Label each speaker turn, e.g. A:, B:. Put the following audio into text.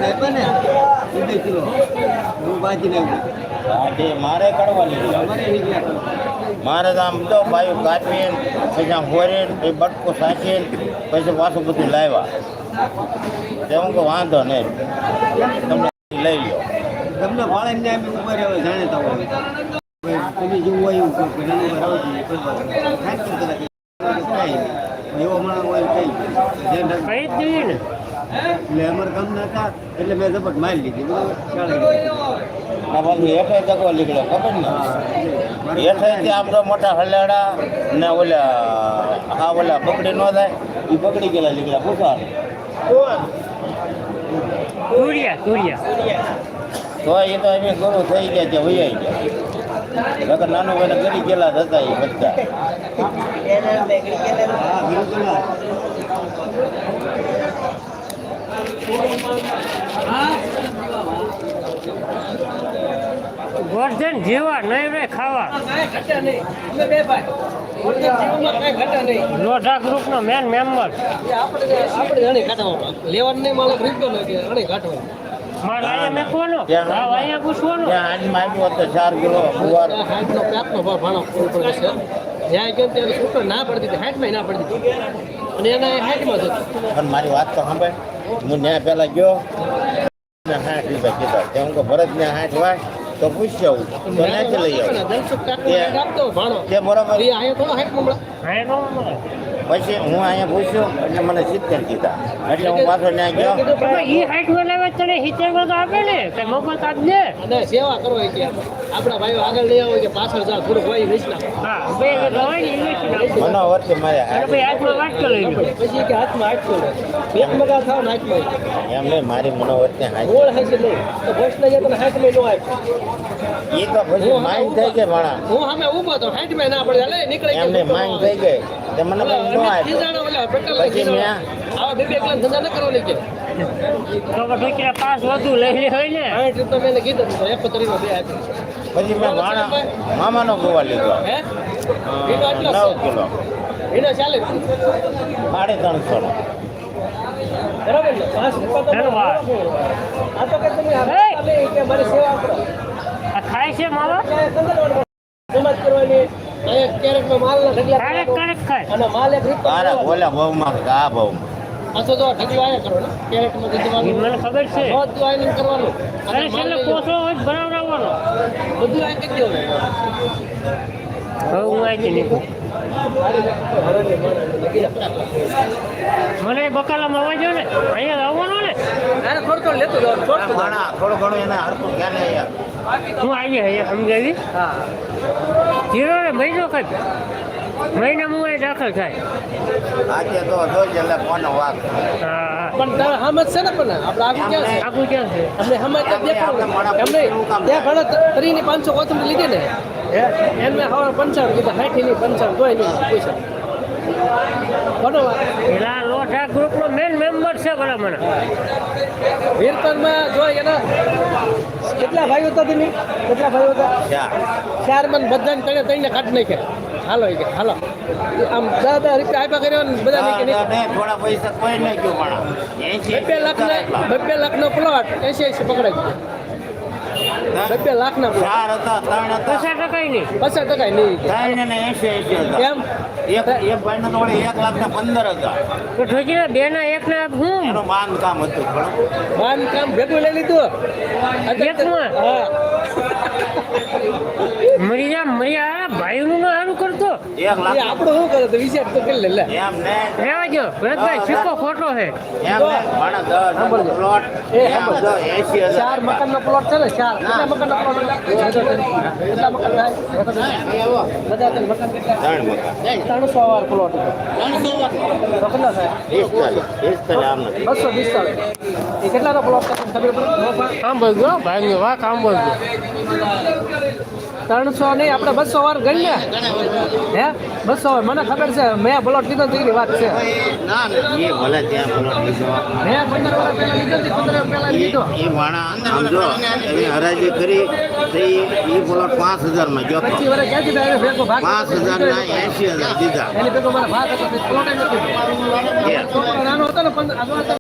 A: મારે કડવા લીધું મારે તો આમ તો ભાઈ કાપીને પછી આમ હોરીને પછી બટકો સાચીને પછી પાછું બધું લાવ્યા તે હું કહું વાંધો નહીં તમને લઈ લો
B: તમને ભાડે ઉપર જાણીતા હોય તમે જેવું હોય એવું એવો માણસ હોય કઈ એટલે અમારે કામ ના હતા એટલે મેં ઝપટ મારી લીધી
A: પાછું હેઠે તકવા નીકળ્યો ખબર ને હેઠે આમ તો મોટા હલેડા ને ઓલા ઓલા પકડી ન થાય એ પકડી ગયેલા નીકળ્યા પૂછવા તો એ તો એમ ગુરુ થઈ ગયા છે વૈયાઈ ગયા નકર નાનું ભાઈને કરી ગયેલા જ હતા એ બધા
C: ગોરધન જેવા નહીં રે ખાવા લોઢા ગ્રુપ નો મેન મેમ્બર
D: લેવાનું નહીં માણસ રીતો નથી
C: મારે અહીંયા મેકવાનો અહીંયા પૂછવાનું
A: આજમાં આવ્યો હતો 4 કિલો ગુવાર
D: હાથનો પેપનો ભાણો પડે છે જ્યાં ગયો ત્યારે છૂટો ના પડતી હતી હાથમાં ના પડતી હતી અને એના હાથમાં જ હતું
A: પણ મારી વાત તો સાંભળ હું ત્યાં પહેલા ગયો 60 રૂપિયા કીધા ત્યાં હું ભરત ને 60 વાય તો પૂછી આવું તો નાખી લઈ આવું તે બરાબર પછી હું અહીંયા પૂછ્યો એટલે મને 70 કીધા એટલે હું પાછો ત્યાં ગયો
C: આપે ને મોબાઈલ કાઢ દે
D: અને સેવા કરો કે આપણા ભાઈઓ આગળ લઈ આવો કે પાછળ જાવ થોડુંક હોય વેચના
A: મનોવરથી મારે
D: પછી કે હાથમાં 800 એક મગા થાવ ને હાથમાં
A: એમ નહીં મારી મનોવરથી
D: ગોળ હશે નહીં તો ભોસના જે તને હાથમાં ન આપ
A: એ તો પછી માઇન્ડ થઈ ગઈ માણા
D: હું સામે ઊભો તો હાથમાં ના પડે લે નીકળે
A: એમને માઇન્ડ થઈ ગઈ તે મને ન આપ્યો પછી મેં
D: આવા બે એકલા ધંધા ન કરવાની કે
C: પાસ વધુ લઈ હોય ને
D: 60 રૂપિયા મેં કીધું 71 માં બે આપી
A: પછી મેં માણા મામાનો ગોવા લીધો
D: હે
A: 9 કિલો
D: એનો ચાલે
A: 350 નો
D: બરાબર ને 5 રૂપિયા આ તો કે તમે હાલે કે મારી સેવા કરો
C: આ ખાય છે માવા
D: સમાજ કરવાની ક્યારેક માલ ના ઢગલા
C: ક્યારેક ખાય
D: અને માલ એક રૂપિયા
A: અરે ઓલા ભાવમાં આ ભાવમાં
D: પાછો તો ઢગલા આયા કરો ને ક્યારેક માં દીધવાનું
C: મને ખબર છે
D: બધું આઈને કરવાનું
C: અરે છેલ્લે પોસો હોય બનાવવાનો
D: બધું આઈ કરી દેવું
C: હવે હું આવી નીકળું મને બકાલામાં આવવા ને અહીંયા આવવાનો ને
D: અરે થોડું લેતો જાવ
A: થોડું ઘણું એને હરતું ક્યાં નહીં
C: હું આવી અહીંયા સમજાવી
D: હા
C: જીરો ને મહિનો કદ મહિનામાં હું દાખલ થાય
A: આજે તો જોઈ એટલે કોનો વાક
C: હા
D: પણ તારે હમત છે ને પણ આપણે આગળ ક્યાં છે
C: આગું ક્યાં છે
D: અમને હમત દેખાડો એમ નહીં ત્યાં ઘણા 3,500 કોથમરી લીધી ને એમને હવે 55 કીધા 60 ની 55 તોય નહીં પૈસા કોનો
C: પેલા લોઢા ગ્રુપનો મેન મેમ્બર છે ભલા મને
D: વીરપરમાં જો એના કેટલા ભાઈઓ હતા તમે કેટલા ભાઈઓ હતા 4 મન બધાને તણે તઈને કાઢ નાખ્યા હાલો કે હાલો આમ 10,000 રૂપિયા આપ્યા કર્યો ને બધા
A: થોડા પૈસા કોઈ નહીં ગયું પણ
D: 2 લાખનો પ્લોટ 80 પકડાઈ ગયો 2 લાખના પ્લોટ
A: 4 હતા 3 હતા
C: 50% નહીં
D: 50% નહીં
A: 3 ને 80 હતા
D: એમ
A: એક ભાઈનો તો 1,15,000 હતા
C: તો ઠોકીને બે ના એક ના હું
A: એનું બાંધકામ હતું
D: બાંધકામ ભેગું લઈ લીધું
C: એકમાં?
D: હા
C: મરિયા ભાઈનું ના સારું કરતો
A: 1 લાખ
D: આપણું શું કરે તો વિચાર તો કરી લે
A: એમ ને
C: રહેવા જો ભરતભાઈ સિક્કો ખોટો છે
A: એમ ને માણા 10 પ્લોટ એમ તો 80,000
D: 4 મકાનનો પ્લોટ છે ને 4 કેટલા મકાનનો પ્લોટ કેટલા મકાન થાય બધા ત્રણ મકાન કેટલા
A: 3 મકાન
D: 300 વાર પ્લોટ હતો 300 તો કેટલા થાય
A: 40 આમ નથી
D: 245 એ કેટલાનો પ્લોટ છે ખબર પડે
C: આમ બોલજો ભાઈ વાહ કામ બોલજો
D: 300 નહીં આપણે 200 વાર ગણી ને હે 200 વાર મને ખબર છે મેં પ્લોટ લીધો તો એની વાત છે
A: ના એ ભલે ત્યાં પ્લોટ લીધો
D: મેં 15 વાર પહેલા લીધો 15 વાર પહેલા લીધો
A: એ વાણા સમજો એની હરાજી કરી તો એ પ્લોટ 5,000 માં ગયો
D: 25 વાર ક્યાંથી થાય ભેગો ભાગ
A: 5,000 ના 80,000 દીધા
D: એની ભેગો મારા ભાગ હતો પ્લોટ નથી નાનો હતો ને 15